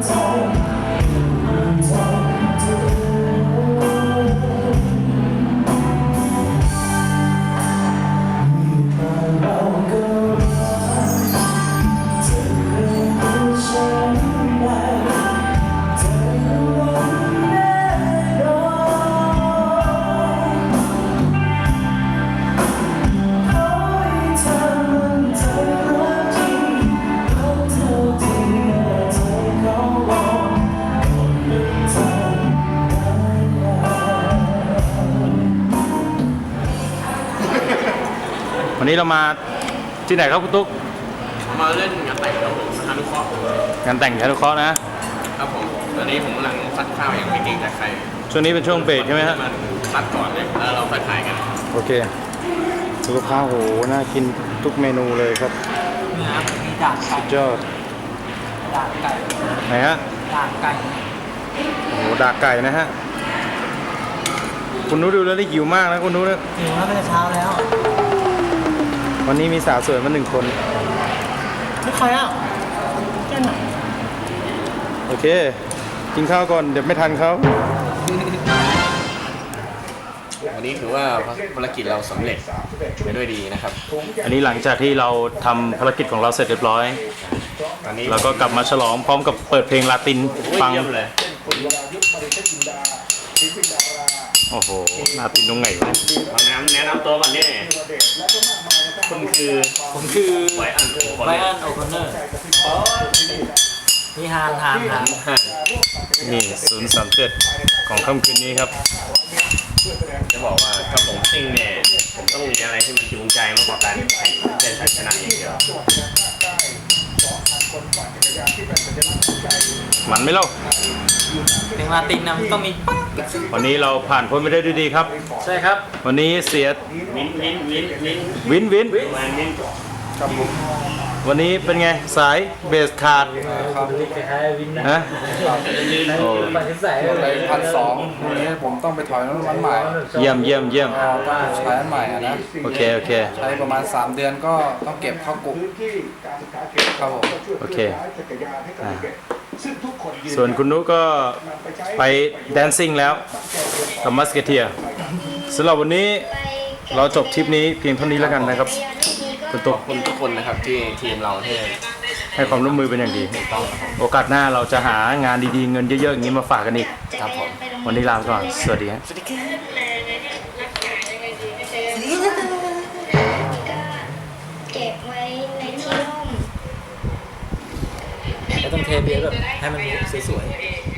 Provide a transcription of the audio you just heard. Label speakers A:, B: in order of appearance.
A: วันนี้เรามาที่ไหนครับคุณตุ๊ก
B: มาเล่นงานแต่งครับผมอนุเคราะห์
A: งานแต่งอนุเคราะห์นะครับ
B: ผมตอนนี้ผมกำลังซัดข้าวอย่างไม่เก่งแต่ใคร
A: ช่วงนี้เป็นช่วงเบรกใช่ไหมฮะ
B: มันซัดก่อนเลยแล้วเราค่อยถ่ายกัน
A: โอเคสุขภาพโหน่ากินทุกเมนูเลยครับ
C: นี่ครับมีดาบไก่
A: ยอด
C: ดาบไก่
A: ไหนฮะ
C: ดาบไก่
A: โอ้โหดาบไก่นะฮะคุณนุ้ดูแล้วได้หิวมากนะคุณนุ้นะ
C: หิวแล้วเป็นเช้าแล้ว
A: วันนี้มีสาวสวยมา1 คน
C: ไม่ใครอ่ะแค่ไหน
A: โอเคกินข้าวก่อนเดี๋ยวไม่ทันเขา
B: วันนี้ถือว่าภารกิจเราสำเร็จไปด้วยดีนะครับ
A: อันนี้หลังจากที่เราทำภารกิจของเราเสร็จเรียบร้อย
B: ตอนนี้
A: เราก็กลับมาฉลองพร้อมกับเปิดเพลงลาตินฟัง
B: เลย
A: โอ้โหลาตินตรงไหนวะ
B: แนะนำตัวก่อนนี่ผมคือไบอัน
C: โอคอนเนอร์นี่ฮาน
A: นี่037ของค่ำคืนนี้ครับ
B: จะบอกว่าถ้าผมซิ่งเนี่ยผมต้องมีอะไรที่มันจูงใจมากกว่าการแข่งเล่นชัยชนะอย่างเดียว
A: มันไม่เล่า
C: เพลงลาตินนะต้องมี
A: วันนี้เราผ่านพ้นไปได้ด้วยดีครับ
C: ใช่ครับ
A: วันนี้เสียวินครับผมวันนี้เป็นไงสายเบสขาดฮะ
D: โอ้ไป1,200วันนี้ผมต้องไปถอยน้ำมันใหม่
A: เยี่ยม
D: ใช้อันใหม่นะ
A: โอเค
D: ใช้ประมาณ3 เดือนก็ต้องเก็บเข้ากลุ่มครับผม
A: โอเคส่วนคุณนุก็ไปแดนซิ่งแล้วกับมัสเกเทียสำหรับวันนี้เราจบทริปนี้เพียงเท่านี้แล้วกันนะครับคุณตุ๊ก
B: ทุกคนนะครับที่ทีมเราที่
A: ให้ความร่วมมือเป็นอย่างดีโอกาสหน้าเราจะหางานดีๆเงินเยอะๆอย่างนี้มาฝากกันอีก
B: ครับผม
A: วันนี้ลาไปก่อนสวัสดีครับ
E: เก็บไว้ในที่ร่ม
C: ต้องเทเบียร์แบบให้มันสวยๆ